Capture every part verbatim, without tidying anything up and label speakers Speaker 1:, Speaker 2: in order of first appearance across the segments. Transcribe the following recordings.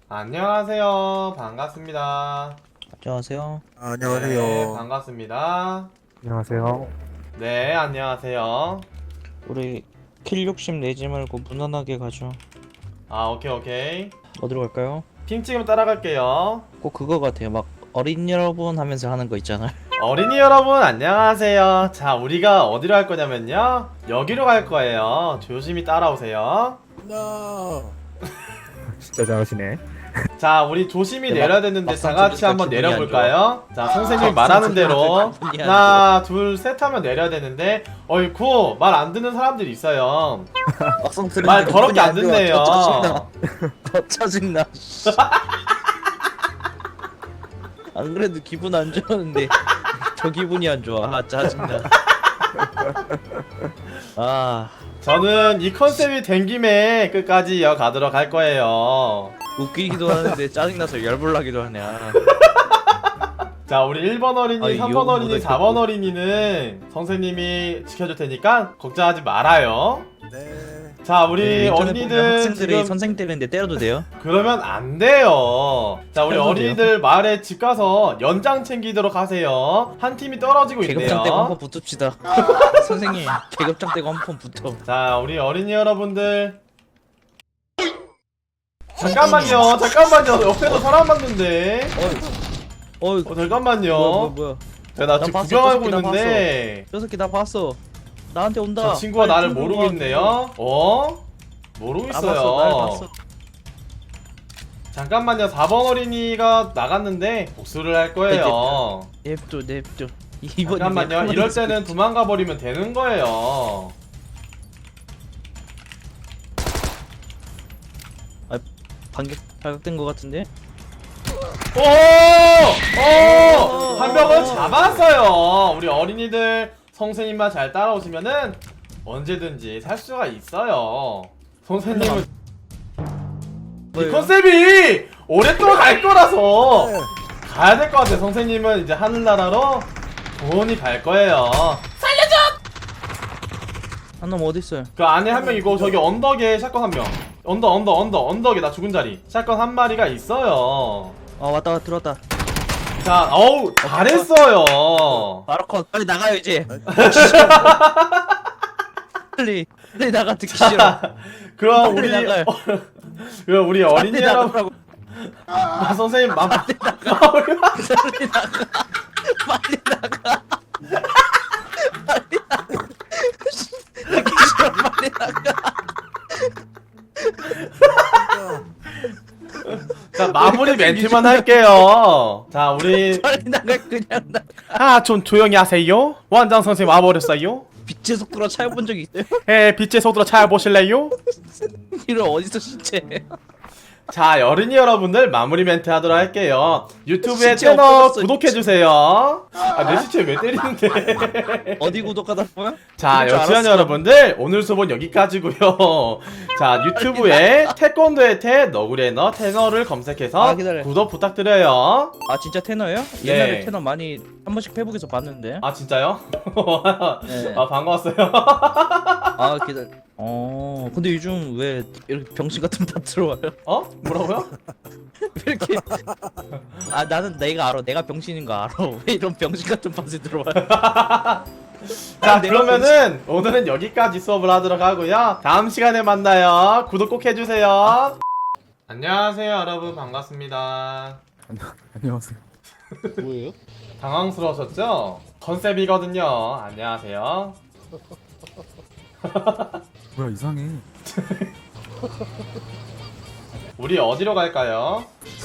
Speaker 1: 안녕하세요. 반갑습니다.
Speaker 2: 안녕하세요.
Speaker 3: 아, 안녕하세요.
Speaker 1: 네, 반갑습니다.
Speaker 4: 안녕하세요.
Speaker 1: 네, 안녕하세요.
Speaker 2: 우리 킬 욕심 내지 말고 무난하게 가죠.
Speaker 1: 아, 오케이, 오케이.
Speaker 2: 어디로 갈까요?
Speaker 1: 핑 찍으면 따라갈게요.
Speaker 2: 꼭 그거 같아요. 막 어린 여러분 하면서 하는 거 있잖아요.
Speaker 1: 어린이 여러분, 안녕하세요. 자, 우리가 어디로 갈 거냐면요. 여기로 갈 거예요. 조심히 따라오세요.
Speaker 3: No.
Speaker 4: 진짜 잘하시네.
Speaker 1: 자, 우리 조심히
Speaker 2: 네,
Speaker 1: 내려야 되는데 다
Speaker 2: 막상
Speaker 1: 같이
Speaker 2: 들으니까
Speaker 1: 한번
Speaker 2: 기분이 안
Speaker 1: 내려볼까요? 자, 선생님이
Speaker 2: 막상
Speaker 1: 말하는 대로
Speaker 2: 들으니까 기분이 안
Speaker 1: 하나, 둘, 셋 하면 내려야 되는데 어이쿠, 말 안 듣는 사람들이 있어요.
Speaker 2: 막상
Speaker 1: 말 더럽게 안 듣네요.
Speaker 2: 더 짜증나. 안 그래도 기분 안 좋았는데 저 기분이 안 좋아. 아 짜증나. 아
Speaker 1: 저는 이 컨셉이 된 김에 끝까지 이어가도록 할 거예요.
Speaker 2: 웃기기도 하는데 짜증나서 열불나기도 하네. 아.
Speaker 1: 자, 우리 일 번 어린이,
Speaker 2: 아이,
Speaker 1: 삼 번
Speaker 2: 욕은
Speaker 1: 어린이,
Speaker 2: 못하겠고.
Speaker 1: 사 번 어린이는 선생님이 지켜줄 테니까 걱정하지 말아요.
Speaker 3: 네.
Speaker 1: 자, 우리
Speaker 2: 네, 인터넷 보면
Speaker 1: 어린이들
Speaker 2: 학생들이
Speaker 1: 지금
Speaker 2: 선생 때리는데 때려도 돼요?
Speaker 1: 그러면 안 돼요. 자, 우리
Speaker 2: 때려도
Speaker 1: 어린이들 마을에 집 가서 연장 챙기도록 하세요. 한 팀이 떨어지고
Speaker 2: 계급장 떼고 한
Speaker 1: 있네요.
Speaker 2: 번 붙읍시다. 선생님 계급장 떼고 한 번 붙어.
Speaker 1: 자, 우리 어린이 여러분들 잠깐만요, 잠깐만요. 옆에도 사람 봤는데.
Speaker 2: 어이
Speaker 1: 어, 잠깐만요.
Speaker 2: 뭐야 뭐야 뭐야.
Speaker 1: 야, 나
Speaker 2: 나
Speaker 1: 지금
Speaker 2: 봤어,
Speaker 1: 구경하고
Speaker 2: 저 새끼 나
Speaker 1: 있는데
Speaker 2: 저 새끼 나 봤어. 나한테 온다.
Speaker 1: 저 친구가
Speaker 2: 빨리
Speaker 1: 나를
Speaker 2: 들고
Speaker 1: 모르고
Speaker 2: 와.
Speaker 1: 있네요. 어? 모르고
Speaker 2: 나 봤어 날
Speaker 1: 있어요.
Speaker 2: 봤어.
Speaker 1: 잠깐만요. 사 번 어린이가 나갔는데 복수를 할 거예요.
Speaker 2: 냅둬 냅둬. 이번
Speaker 1: 잠깐만요. 이럴 때는 도망가 버리면 되는 거예요.
Speaker 2: 반격 발각된 거 같은데?
Speaker 1: 오! 오! 한 명은 잡았어요. 우리 어린이들 선생님만 잘 따라오시면은 언제든지 살 수가 있어요. 선생님은 이
Speaker 2: 뭐예요?
Speaker 1: 컨셉이 오랫동안 갈 거라서
Speaker 3: 네.
Speaker 1: 가야 될 것 같아요. 선생님은 이제 하늘나라로 돈이 갈 거예요.
Speaker 2: 한 놈 어디 있어요?
Speaker 1: 그 안에 한 명이고 저기 언덕에 샷건 한 명. 언덕 언덕 언덕 언덕에 나 죽은 자리. 샷건 한 마리가 있어요.
Speaker 2: 아 왔다 왔다 들어왔다.
Speaker 1: 자, 어우 잘했어요.
Speaker 2: 바로 컷. 빨리 나가요 이제. 빨리 빨리 나가 듣기 싫어.
Speaker 1: 그럼
Speaker 2: 빨리
Speaker 1: 우리
Speaker 2: 나가요.
Speaker 1: 그럼 우리 어린이
Speaker 2: 빨리
Speaker 1: 여러분,
Speaker 2: 나가라고.
Speaker 1: 아, 선생님 맘.
Speaker 2: 빨리 나가. 빨리 나가. 빨리 나가. 듣기 싫어. 빨리 나가.
Speaker 1: 자, 마무리 멘트만 할게요. 자, 우리
Speaker 2: 빨리 나가 그냥 나.
Speaker 1: 아, 좀 조용히 하세요. 원장 선생님 와버렸어요.
Speaker 2: 빛의 속도로 차여본 적이 있어요?
Speaker 1: 에, 빛의 속도로 차 보실래요?
Speaker 2: 이런 어디서 신체?
Speaker 1: 자, 어린이 여러분들 마무리 멘트 하도록 할게요. 유튜브에
Speaker 2: 진짜
Speaker 1: 채널
Speaker 2: 없어졌어,
Speaker 1: 구독해주세요. 아, 내 시체 왜 때리는데?
Speaker 2: 어디 구독하다 보면?
Speaker 1: 자,
Speaker 2: 그럴 줄
Speaker 1: 여치한
Speaker 2: 알았어.
Speaker 1: 여러분들 오늘 수업은 여기까지고요. 자, 유튜브에 태권도의 태, 너구리의 너, 테너를 검색해서
Speaker 2: 아, 기다려.
Speaker 1: 구독 부탁드려요.
Speaker 2: 아 진짜 테너예요?
Speaker 1: 네.
Speaker 2: 옛날에 테너 많이 한 번씩 페북에서 봤는데.
Speaker 1: 아, 진짜요?
Speaker 2: 네.
Speaker 1: 아, 반가웠어요.
Speaker 2: 아 기다려. 어 근데 요즘 왜 이렇게 병신 같은 다 들어와요?
Speaker 1: 어? 뭐라고요?
Speaker 2: 왜 이렇게? 아 나는 내가 알아. 내가 병신인 거 알아. 왜 이런 병신 같은 팟이 들어와요?
Speaker 1: 자,
Speaker 2: 내가
Speaker 1: 그러면은 오늘은 여기까지 수업을 하도록 하고요. 다음 시간에 만나요. 구독 꼭 해주세요. 안녕하세요, 여러분. 반갑습니다.
Speaker 4: 안녕하세요.
Speaker 2: 뭐예요?
Speaker 1: 당황스러우셨죠? 컨셉이거든요. 안녕하세요.
Speaker 4: 뭐야 이상해.
Speaker 1: 우리 어디로 갈까요?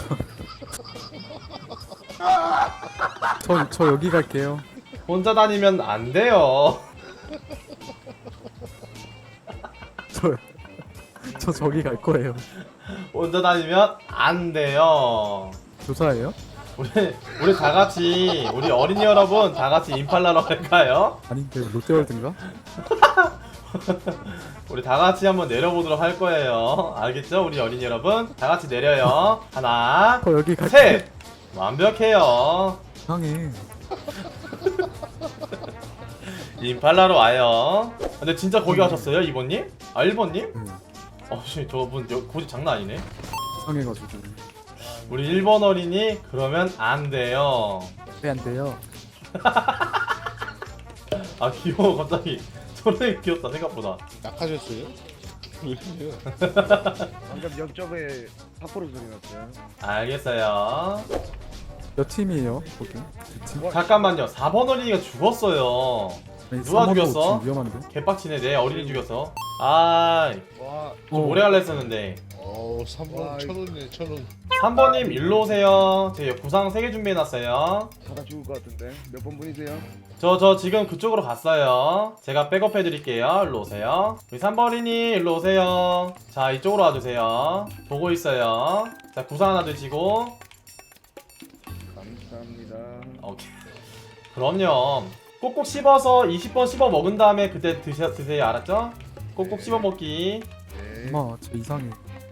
Speaker 4: 저, 저 여기 갈게요.
Speaker 1: 혼자 다니면 안 돼요.
Speaker 4: 저, 저 저기 갈 거예요.
Speaker 1: 혼자 다니면 안 돼요.
Speaker 4: 조사예요?
Speaker 1: 우리 우리 다 같이 우리 어린이 여러분 다 같이 임팔라로 갈까요?
Speaker 4: 아닌데 롯데월드인가?
Speaker 1: 우리 다 같이 한번 내려보도록 할 거예요. 알겠죠? 우리 어린이 여러분 다 같이 내려요. 하나,
Speaker 4: 저 여기 갈게요.
Speaker 1: 셋. 완벽해요.
Speaker 4: 이상해.
Speaker 1: 임팔라로 와요. 근데 진짜 거기 가셨어요, 이번님? 아, 일번님?
Speaker 4: 응.
Speaker 1: 어, 씨, 저분 여- 고집 장난 아니네.
Speaker 4: 이상해가지고.
Speaker 1: 우리 일 번 어린이 그러면 안 돼요.
Speaker 4: 왜 안 돼요?
Speaker 1: 아 귀여워 갑자기. 저래 귀엽다 생각보다.
Speaker 3: 약하셨어요?
Speaker 5: 방금 옆쪽에 사포로 소리 났어요.
Speaker 1: 알겠어요.
Speaker 4: 몇 팀이에요? 거기? 두 팀?
Speaker 1: 잠깐만요. 사 번 어린이가 죽었어요.
Speaker 4: 아니,
Speaker 1: 누가
Speaker 4: 삼 번도
Speaker 1: 죽였어?
Speaker 4: 지금 위험한데?
Speaker 1: 개빡치네. 내 어린이 죽였어. 아,
Speaker 5: 와,
Speaker 1: 좀
Speaker 4: 어.
Speaker 1: 오래 갈라 했었는데.
Speaker 3: 어, 삼
Speaker 5: 와,
Speaker 3: 번 천 원이네, 천 원.
Speaker 1: 삼 번님 일로 오세요. 제 구상 세 개 준비해놨어요.
Speaker 5: 가다 죽을 것 같은데. 몇 번 분이세요?
Speaker 1: 저 저 지금 그쪽으로 갔어요. 제가 백업 해드릴게요. 일로 오세요. 우리 삼 번이니 일로 오세요. 자 이쪽으로 와주세요. 보고 있어요. 자 구상 하나 드시고.
Speaker 5: 감사합니다.
Speaker 1: 오케이. 그럼요. 꼭꼭 씹어서 이십 번 씹어 먹은 다음에 그때 드셔, 드세요. 알았죠? 꼭꼭 씹어 먹기.
Speaker 5: 네.
Speaker 4: 엄마 저 이상해.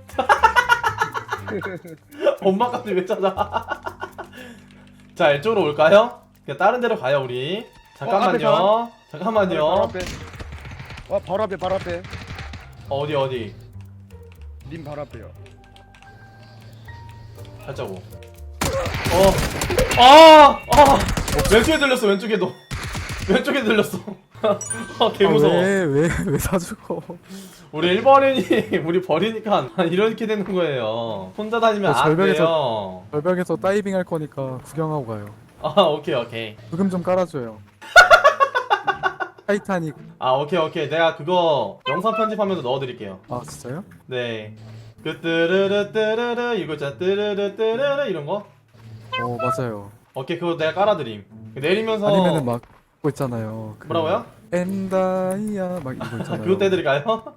Speaker 1: 엄마까지 왜 찾아? 자 이쪽으로 올까요? 그냥 다른 데로 가요 우리. 잠깐만요.
Speaker 5: 어, 바로
Speaker 1: 잠깐만요.
Speaker 5: 앞에. 와, 바로 앞에, 바로 앞에.
Speaker 1: 어디 어디?
Speaker 5: 님 바로 앞에요.
Speaker 1: 살짝 오. 어. 아! 아! 왼쪽에 들렸어. 왼쪽에도. 왼쪽에 들렸어. 아, 개 무서워.
Speaker 4: 왜왜왜 사주고?
Speaker 1: 우리 일 번인이 우리 버리니까 이렇게 되는 거예요. 혼자 다니면
Speaker 4: 저
Speaker 1: 안
Speaker 4: 절벽에서-
Speaker 1: 돼요.
Speaker 4: 절벽에서 다이빙 할 거니까 구경하고 가요.
Speaker 1: 아, 오케이, 오케이.
Speaker 4: 부금 좀 깔아줘요. 타이타닉.
Speaker 1: 아, 오케이, 오케이. 내가 그거 영상 편집하면서 넣어드릴게요.
Speaker 4: 아 진짜요?
Speaker 1: 네. 그 뜨르르 뜨르르 이거 있잖아. 뜨르르 뜨르르 이런 거.
Speaker 4: 어 맞아요.
Speaker 1: 오케이, 그거 내가 깔아드림. 내리면서
Speaker 4: 아니면은 막 그거 있잖아요. 그
Speaker 1: 뭐라고요?
Speaker 4: 엔다이아 막 이거 있잖아요.
Speaker 1: 그거 떼드릴까요?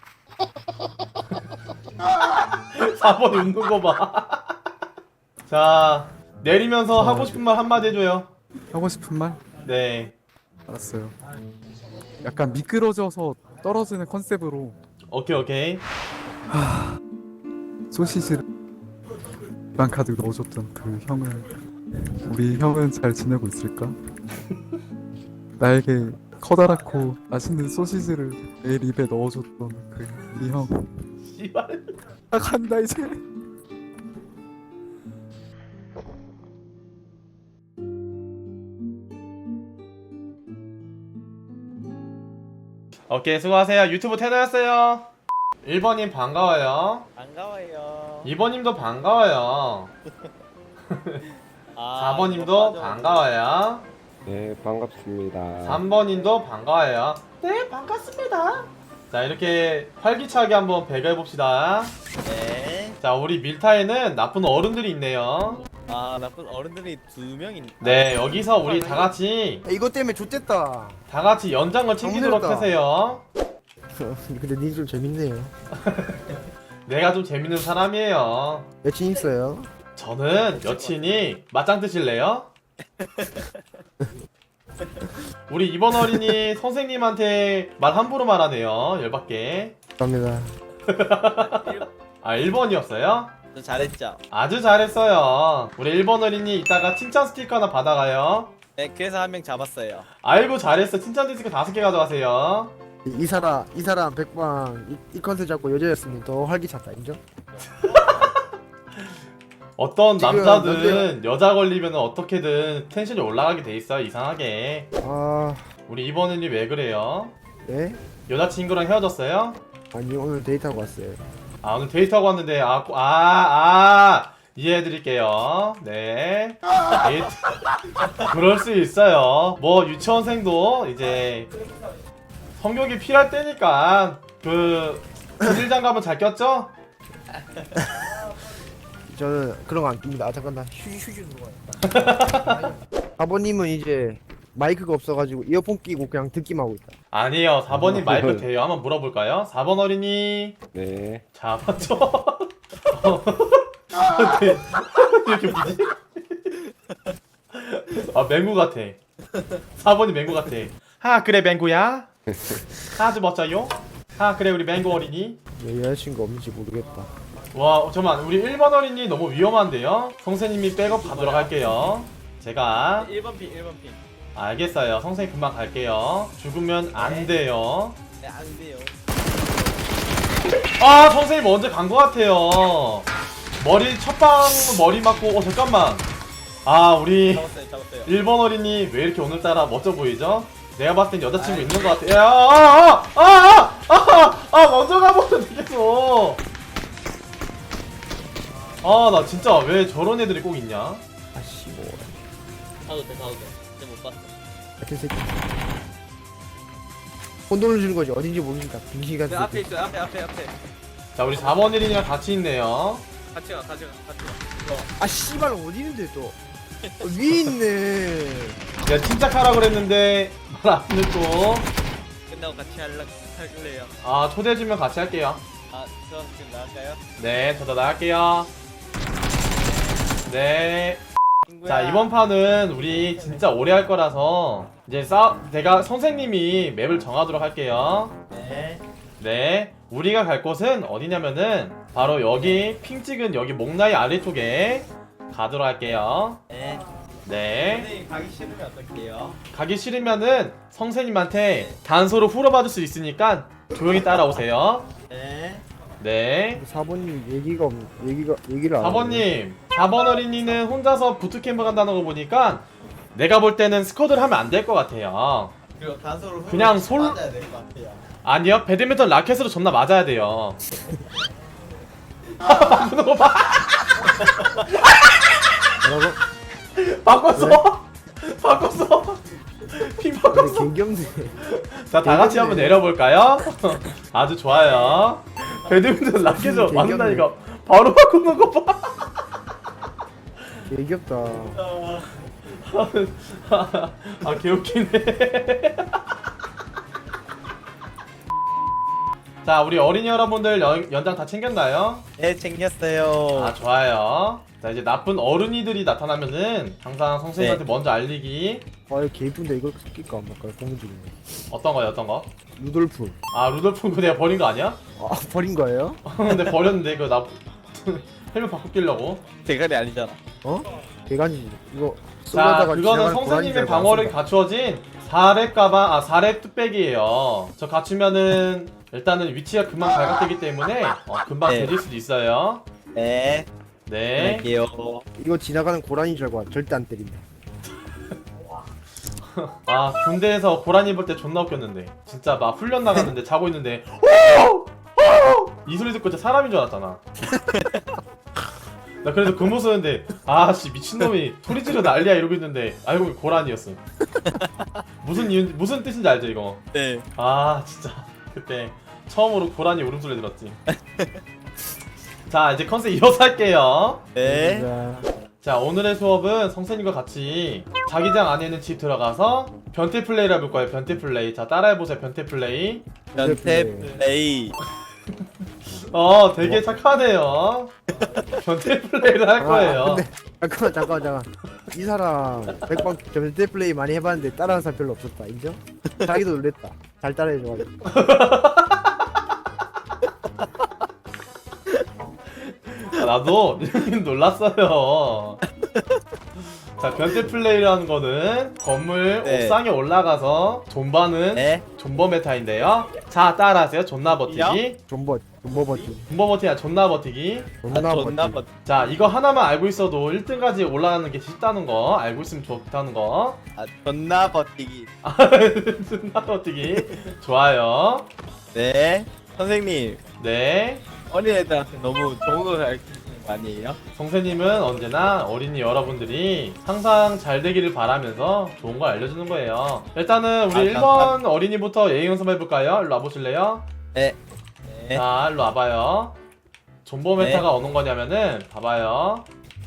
Speaker 1: 사 번이 웃는 거 봐. 자, 내리면서
Speaker 4: 어,
Speaker 1: 하고 싶은 말 한마디 해줘요.
Speaker 4: 하고 싶은 말?
Speaker 1: 네.
Speaker 4: 알았어요. 약간 미끄러져서 떨어지는 컨셉으로
Speaker 1: 오케이, 오케이.
Speaker 4: 소시지를 방 카드 넣어줬던 그 형은 우리 형은 잘 지내고 있을까? 나에게 커다랗고 맛있는 소시지를 매일 입에 넣어줬던 그 우리 형.
Speaker 1: 씨발.
Speaker 4: 나 간다 이제.
Speaker 1: 오케이, 수고하세요. 유튜브 태도였어요. 일 번님 반가워요.
Speaker 2: 반가워요.
Speaker 1: 이 번님도 반가워요.
Speaker 2: 아,
Speaker 1: 사 번님도
Speaker 2: 이거 빠져.
Speaker 1: 반가워요.
Speaker 6: 네, 반갑습니다.
Speaker 1: 삼 번님도 반가워요. 네, 반갑습니다. 자, 이렇게 활기차게 한번 배가해봅시다.
Speaker 2: 네.
Speaker 1: 자, 우리 밀타에는 나쁜 어른들이 있네요.
Speaker 2: 아 나쁜 어른들이 두 명이.
Speaker 1: 네, 여기서 우리 다 같이
Speaker 3: 이것 때문에 좆됐다.
Speaker 1: 다 같이 연장을 챙기도록
Speaker 3: 힘들다.
Speaker 1: 하세요.
Speaker 3: 근데 니 좀 재밌네요.
Speaker 1: 내가 좀 재밌는 사람이에요.
Speaker 3: 여친 있어요?
Speaker 1: 저는 여친이 맞짱 뜨실래요? 우리 이번 어린이 선생님한테 말 함부로 말하네요. 열받게.
Speaker 3: 감사합니다.
Speaker 1: 아, 일 번이었어요?
Speaker 2: 저 잘했죠.
Speaker 1: 아주 잘했어요. 우리 일 번 어린이 이따가 칭찬 스티커 하나 받아가요.
Speaker 2: 네 그래서 한 명 잡았어요.
Speaker 1: 아이고 잘했어. 칭찬 스티커 다섯 개 가져가세요.
Speaker 3: 이, 이 사람 이 사람 백방 이, 이 컨셉 잡고 여자였으면 더 활기찼다 인정?
Speaker 1: 어떤
Speaker 3: 지금
Speaker 1: 남자든 여자 걸리면 어떻게든 텐션이 올라가게 돼 있어요. 이상하게.
Speaker 3: 아
Speaker 1: 우리 이번 어린이 왜 그래요?
Speaker 3: 네?
Speaker 1: 여자친구랑 헤어졌어요?
Speaker 3: 아니 오늘 데이트하고 왔어요.
Speaker 1: 아 오늘 데이트하고 왔는데 아, 아, 아 이해해드릴게요. 네 데이트 그럴 수 있어요. 뭐 유치원생도 이제 성욕이 필요할 때니까 그 비닐장갑은 잘 꼈죠?
Speaker 3: 저는 그런 거 안 낍니다. 아 잠깐 나 휴지 휴지 들어가요. 아버님은 이제 마이크가 없어가지고 이어폰 끼고 그냥 듣기만 하고 있다.
Speaker 1: 아니에요. 사 번님 마이크 돼요. 한번 물어볼까요? 사 번 어린이
Speaker 6: 네,
Speaker 1: 잡았죠? 네. 이렇게 뭐지? 아 맹구 같아. 사 번이 맹구 같아. 아 그래 맹구야? 아주 멋져요? 아 그래 우리 맹구 어린이?
Speaker 3: 왜 여자친구 없는지 모르겠다.
Speaker 1: 와 잠깐만 우리 일 번 어린이 너무 위험한데요? 선생님이 백업 가도록 할게요. 제가
Speaker 2: 일 번 핑 일 번 핑.
Speaker 1: 알겠어요. 선생님 금방 갈게요. 죽으면 안 돼요.
Speaker 2: 네 안 돼요.
Speaker 1: 아 선생님 언제 간 것 같아요. 머리 첫방 머리 맞고 어 잠깐만. 아 우리
Speaker 2: 잡았어요 잡았어요.
Speaker 1: 일 번 어린이 왜 이렇게 오늘따라 멋져 보이죠? 내가 봤을 땐 여자친구
Speaker 2: 아이.
Speaker 1: 있는 것 같아. 야, 아, 아, 아, 아, 아, 아, 먼저 가버렸네 계속. 아, 나 진짜 왜 저런 애들이 꼭 있냐?
Speaker 3: 아씨 뭐
Speaker 2: 가도 돼 가도 돼. 근데 못 봤어.
Speaker 3: 같은 새끼. 혼돈을 주는 거지 어딘지 모르니까 빙신 같은
Speaker 2: 그 앞에
Speaker 3: 새끼.
Speaker 2: 있어요 앞에 앞에 앞에.
Speaker 1: 자, 우리 사 번 어린이랑 같이 있네요.
Speaker 2: 같이 가 같이 가 같이 가. 이거.
Speaker 3: 아 씨발 어디 있는데 또 어, 위에 있네.
Speaker 1: 내가 침착하라 그랬는데 말 안 듣고.
Speaker 2: 끝나고 같이 할라 할래요.
Speaker 1: 아, 초대해주면 같이 할게요.
Speaker 2: 아, 저 지금 나갈까요?
Speaker 1: 네, 저도 나갈게요. 네.
Speaker 2: 친구야.
Speaker 1: 자, 이번 판은 우리 진짜 오래 할 거라서 이제 싸 내가 선생님이 맵을 정하도록 할게요.
Speaker 2: 네.
Speaker 1: 네, 우리가 갈 곳은 어디냐면은 바로 여기 핑 찍은 여기 목라이 아래쪽에 가도록 할게요.
Speaker 2: 네.
Speaker 1: 네,
Speaker 2: 선생님 가기 싫으면 어떡해요?
Speaker 1: 가기 싫으면은 선생님한테 단서로 풀어받을 수 있으니까 조용히 따라오세요.
Speaker 2: 네.
Speaker 1: 네,
Speaker 3: 사 번님 얘기가 없 얘기가 얘기를 안
Speaker 1: 사 번님, 사 번 어린이는 혼자서 부트캠프 간다는 거 보니까 내가 볼 때는 스쿼드를 하면 안 될 것 같아요.
Speaker 2: 그리고 단서로
Speaker 1: 그냥 솔-
Speaker 2: 맞아야 될 것 같아요.
Speaker 1: 아니요, 배드민턴 라켓으로 존나 맞아야 돼요. 바꾸는 거 봐.
Speaker 3: 뭐라고?
Speaker 1: 바꿨어. 바꿨어. 핑
Speaker 3: 근데
Speaker 1: 바꿨어.
Speaker 3: 개귀엽네.
Speaker 1: 자, 다 같이 한번 내려볼까요? 아주 좋아요. 배드민턴 라켓으로
Speaker 3: 개귀엽네.
Speaker 1: 맞는다니까. 바로 바꾸는 거 봐.
Speaker 3: 개귀엽다.
Speaker 1: 아, 개웃기네. 자, 우리 어린이 여러분들 연, 연장 다 챙겼나요?
Speaker 2: 네, 챙겼어요.
Speaker 1: 아, 좋아요. 자, 이제 나쁜 어른이들이 나타나면은 항상 선생님한테 먼저 알리기.
Speaker 3: 아 이거 개 이쁜데 이걸 쓸까 안 말까 고민 중이네.
Speaker 1: 어떤 거요, 어떤 거?
Speaker 3: 루돌프.
Speaker 1: 아, 루돌프 그거 내가 버린 거 아니야?
Speaker 3: 아 버린 거예요?
Speaker 1: 근데 버렸는데 이거 나 헬멧 바꿔 끼려고.
Speaker 2: 대가리 아니잖아.
Speaker 3: 어? 개간지 이거.
Speaker 1: 자,
Speaker 3: 쏠려다가
Speaker 1: 그거는
Speaker 3: 지나가는 고라니
Speaker 1: 선생님의
Speaker 3: 줄 알고
Speaker 1: 방어력이
Speaker 3: 안 쏜다.
Speaker 1: 갖추어진 사 렙 가방, 아, 사 렙 뚝배기예요. 저 갖추면은 일단은 위치가 금방 발각되기 때문에 어, 금방
Speaker 2: 네.
Speaker 1: 되질 수도 있어요.
Speaker 2: 네.
Speaker 1: 네.
Speaker 2: 갈게요.
Speaker 3: 이거 지나가는 고라니 줄 알고 절대 안 때린다.
Speaker 1: 아, 군대에서 고라니 볼 때 존나 웃겼는데. 진짜 막 훈련 나갔는데 자고 있는데 오! 오! 이 소리 듣고 진짜 사람인 줄 알았잖아. 나 그래서 근무 쓰는데 아씨 미친놈이 소리 지르 난리야 이러고 있는데 알고 보니 고라니였어. 무슨 이유 무슨 뜻인지 알죠 이거?
Speaker 2: 네.
Speaker 1: 아 진짜 그때 처음으로 고라니 울음소리 들었지. 자, 이제 컨셉 이어서 할게요.
Speaker 2: 네.
Speaker 3: 자,
Speaker 1: 자, 오늘의 수업은 선생님과 같이 자기장 안에 있는 집 들어가서 변태 플레이를 해볼 거예요. 변태 플레이. 자, 따라해보세요. 변태 플레이.
Speaker 2: 변태 플레이.
Speaker 1: 어, 되게 착하네요. 변태 플레이를 할 거예요.
Speaker 3: 아, 근데 잠깐만 잠깐만 잠깐. 이 사람 백방 변태 플레이 많이 해봤는데 따라하는 사람 별로 없었다. 인정? 자기도 놀랬다. 잘 따라해줘가지고.
Speaker 1: 아, 나도 놀랐어요. 자, 변태 플레이라는 거는 건물
Speaker 2: 네.
Speaker 1: 옥상에 올라가서 존버는
Speaker 2: 네.
Speaker 1: 존버 메타인데요. 자, 따라하세요. 존나 버티기.
Speaker 3: 존버 존버 버티.
Speaker 1: 존버 버티기 아니라 존나 버티기.
Speaker 3: 존나
Speaker 2: 아,
Speaker 3: 버티.
Speaker 2: 존나 멋.
Speaker 1: 자, 이거 하나만 알고 있어도 일 등까지 올라가는 게 쉽다는 거 알고 있으면 좋다는 거.
Speaker 2: 아, 존나 버티기.
Speaker 1: 존나 버티기. 좋아요.
Speaker 2: 네. 선생님,
Speaker 1: 네.
Speaker 2: 어린애들한테 너무 좋은 거 가르치는 거 아니에요?
Speaker 1: 선생님은 언제나 어린이 여러분들이 항상 잘 되기를 바라면서 좋은 걸 알려주는 거예요. 일단은 우리
Speaker 2: 아,
Speaker 1: 일 번 어린이부터 예의 연습 해볼까요? 일로 와보실래요?
Speaker 2: 네. 네.
Speaker 1: 자, 일로 와봐요. 존버
Speaker 2: 네.
Speaker 1: 메타가 어느 거냐면은 봐봐요.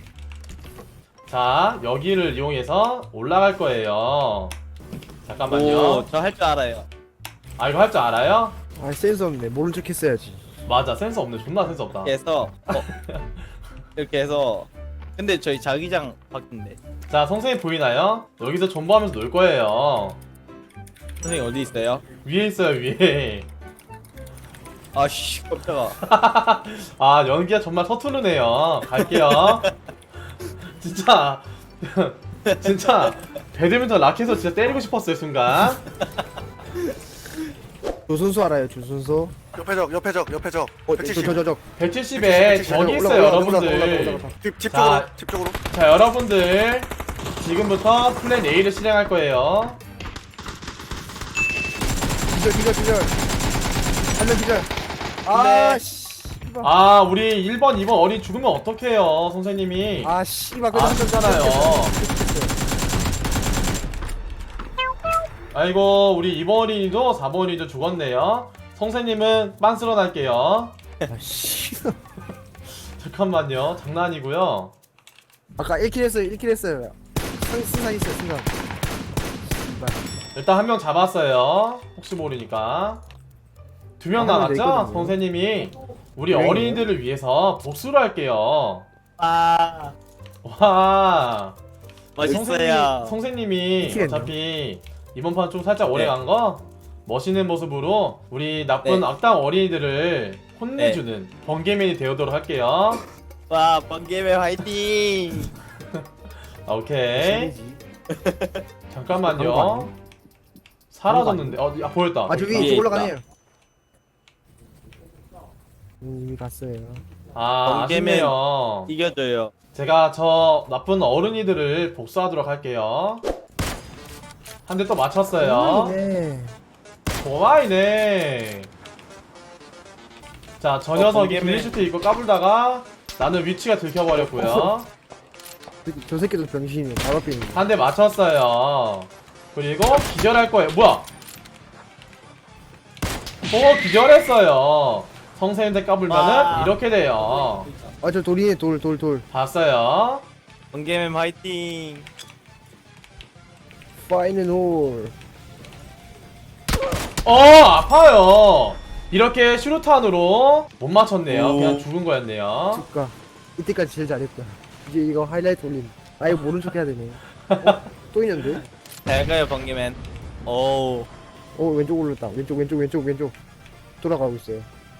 Speaker 1: 자, 여기를 이용해서 올라갈 거예요. 잠깐만요.
Speaker 2: 오, 저 할 줄 알아요.
Speaker 1: 아, 이거 할 줄 알아요?
Speaker 3: 아 센스 없네. 모른 척 했어야지.
Speaker 1: 맞아, 센스 없네. 존나 센스 없다.
Speaker 2: 이렇게 해서 어, 이렇게 해서 근데 저희 자기장 바뀐데.
Speaker 1: 자, 선생님 보이나요? 여기서 존버하면서 놀 거예요.
Speaker 2: 선생님 어디 있어요?
Speaker 1: 위에 있어요, 위에.
Speaker 2: 아씨, 깜짝아.
Speaker 1: 아, 연기가 정말 서투르네요. 갈게요. 진짜 진짜 배드민턴 라켓에서 진짜 때리고 싶었어요, 순간.
Speaker 3: 조순수 알아요 조순수?
Speaker 7: 옆에 적, 옆에 적, 옆에 적.
Speaker 3: 어
Speaker 7: 백칠십.
Speaker 3: 저저저
Speaker 1: 백칠십에 적이 있어요 여러분들.
Speaker 7: 집, 집
Speaker 1: 자.
Speaker 7: 쪽으로, 집 쪽으로.
Speaker 1: 자 여러분들 지금부터 플랜 A를 실행할 거예요.
Speaker 3: 기절 기절 기절 한명 기절
Speaker 1: 네.
Speaker 3: 아 씨.
Speaker 1: 아 우리 일 번 이 번 어린 죽으면 어떡해요 선생님이.
Speaker 3: 아 씨발 그래도 한명
Speaker 1: 아쉽잖아요. 아이고 우리 이 번 어린이도 사 번 어린이도 죽었네요. 선생님은 빤스러 날게요.
Speaker 3: 아씨
Speaker 1: 잠깐만요 장난이고요.
Speaker 3: 아까 일 킬 했어요 일 킬 했어요 상 승산 있어요 승산 씨발
Speaker 1: 일단 한 명 잡았어요. 혹시 모르니까 두 명
Speaker 3: 아, 한명
Speaker 1: 남았죠?
Speaker 3: 있거든요.
Speaker 1: 선생님이 우리
Speaker 3: 네.
Speaker 1: 어린이들을 위해서 복수를 할게요.
Speaker 2: 아
Speaker 1: 와
Speaker 2: 멋있어요.
Speaker 1: 선생님이
Speaker 3: 미치겠네요.
Speaker 1: 어차피 이번 판 좀 살짝 오래
Speaker 2: 네.
Speaker 1: 간 거 멋있는 모습으로 우리 나쁜
Speaker 2: 네.
Speaker 1: 악당 어린이들을 혼내주는 번개맨이 되어도록 할게요.
Speaker 2: 와 번개맨 화이팅.
Speaker 1: 아, 오케이
Speaker 3: 신이지.
Speaker 1: 잠깐만요.
Speaker 3: 그런 거 아니에요?
Speaker 1: 사라졌는데 어, 야 보였다.
Speaker 3: 아 저기
Speaker 2: 위에
Speaker 3: 저
Speaker 2: 있다.
Speaker 3: 올라가네요 음, 이미 갔어요
Speaker 1: 아
Speaker 2: 번개맨.
Speaker 1: 아쉽네요.
Speaker 2: 이겨줘요.
Speaker 1: 제가 저 나쁜 어른이들을 복수하도록 할게요. 한 대 또 맞췄어요.
Speaker 3: 네.
Speaker 1: 고마이네. 자, 저
Speaker 2: 어,
Speaker 1: 녀석이
Speaker 2: 번개맨.
Speaker 1: 블리슈트 입고 까불다가 나는 위치가 들켜버렸고요.
Speaker 3: 저- 저 새끼도 병신이네 바로 앞에 있는
Speaker 1: 한 대 맞췄어요. 그리고 기절할 거예요. 뭐야? 또 기절했어요. 성세인데 까불면은
Speaker 2: 와.
Speaker 1: 이렇게 돼요.
Speaker 3: 아저 돌이네 돌 돌 돌
Speaker 1: 봤어요.
Speaker 2: 번개맨 화이팅.
Speaker 3: 파이널 홀
Speaker 1: 어 아파요. 이렇게 슈루탄으로 못 맞췄네요.
Speaker 2: 오.
Speaker 1: 그냥 죽은 거였네요.
Speaker 3: 축가 이때까지 제일 잘했다 이제 이거 하이라이트 올림 아 이거 모른 척 해야 되네 어? 또 있는데?
Speaker 2: 잘 가요 번개맨. 오.
Speaker 3: 어 왼쪽 올렸다 왼쪽 왼쪽 왼쪽 왼쪽 돌아가고 있어요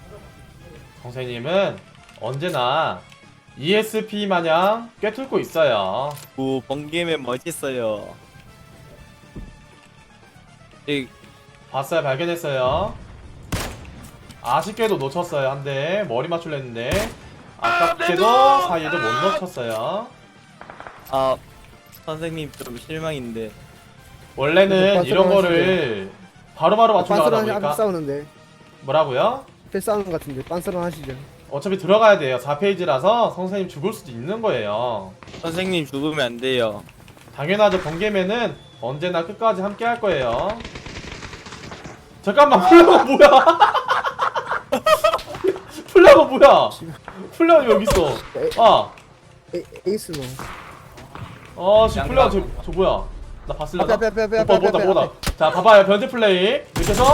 Speaker 1: 선생님은 언제나 이에스피 마냥 꿰뚫고 있어요.
Speaker 2: 오 번개맨 멋있어요. 이
Speaker 1: 봤어요, 발견했어요. 아쉽게도 놓쳤어요. 한 대 머리 맞추려 했는데 아깝게도 사이에도 못 놓쳤어요.
Speaker 2: 아 선생님 좀 실망인데.
Speaker 1: 원래는
Speaker 3: 빤스런
Speaker 1: 이런 거를 바로바로 맞추려고 하다
Speaker 3: 빤스런 앞에
Speaker 1: 보니까
Speaker 3: 싸우는데
Speaker 1: 뭐라고요?
Speaker 3: 앞에 싸우는 것 같은데 빤스런 하시죠
Speaker 1: 어차피 들어가야 돼요. 사 페이지라서 선생님 죽을 수도 있는 거예요.
Speaker 2: 선생님 죽으면 안 돼요.
Speaker 1: 당연하죠. 번개맨은 언제나 끝까지 함께 할 거예요. 잠깐만, 플라가 뭐야? 플라가 뭐야? 플라가 여기 있어. 아,
Speaker 3: 에, 에이스노
Speaker 1: 아, 씨, 플라가 저, 저 뭐야? 나 봤을려나?
Speaker 3: 앞에, 앞에, 앞에,
Speaker 1: 오빠
Speaker 3: 앞에,
Speaker 1: 뭐다
Speaker 3: 앞에,
Speaker 1: 뭐다.
Speaker 3: 앞에.
Speaker 1: 자, 봐봐요. 변태 플레이. 이렇게 해서.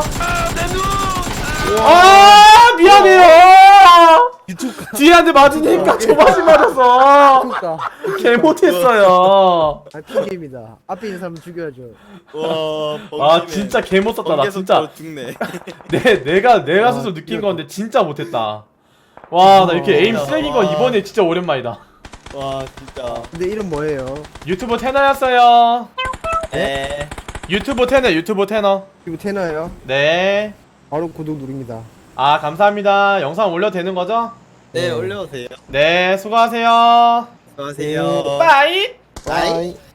Speaker 1: 아, 미안해요. 뒤에 한 대 맞으니까 조바심 맞았어.
Speaker 3: 축가
Speaker 1: 개 못했어요.
Speaker 3: 아 핑계입니다 앞에 있는 사람 죽여야죠
Speaker 2: 와
Speaker 1: 아, 진짜 개 못했다. 나 진짜.
Speaker 2: 죽네.
Speaker 1: 내, 내가, 내가
Speaker 3: 와,
Speaker 1: 스스로 느낀
Speaker 3: 이거-
Speaker 1: 건데 진짜 못했다. 와, 나 이렇게
Speaker 3: 어,
Speaker 1: 에임 쓰레기인 거
Speaker 2: 와.
Speaker 1: 이번에 진짜 오랜만이다.
Speaker 2: 와 진짜.
Speaker 3: 근데 이름 뭐예요?
Speaker 1: 유튜브 테너였어요.
Speaker 2: 네.
Speaker 1: 유튜브 테너, 유튜브 테너.
Speaker 3: 이거 테너예요?
Speaker 1: 네.
Speaker 3: 바로 구독 누릅니다
Speaker 1: 아, 감사합니다. 영상 올려도 되는 거죠?
Speaker 2: 네
Speaker 3: 네.
Speaker 2: 올려주세요.
Speaker 1: 네, 수고하세요.
Speaker 2: 수고하세요.
Speaker 1: 빠이!
Speaker 3: 바이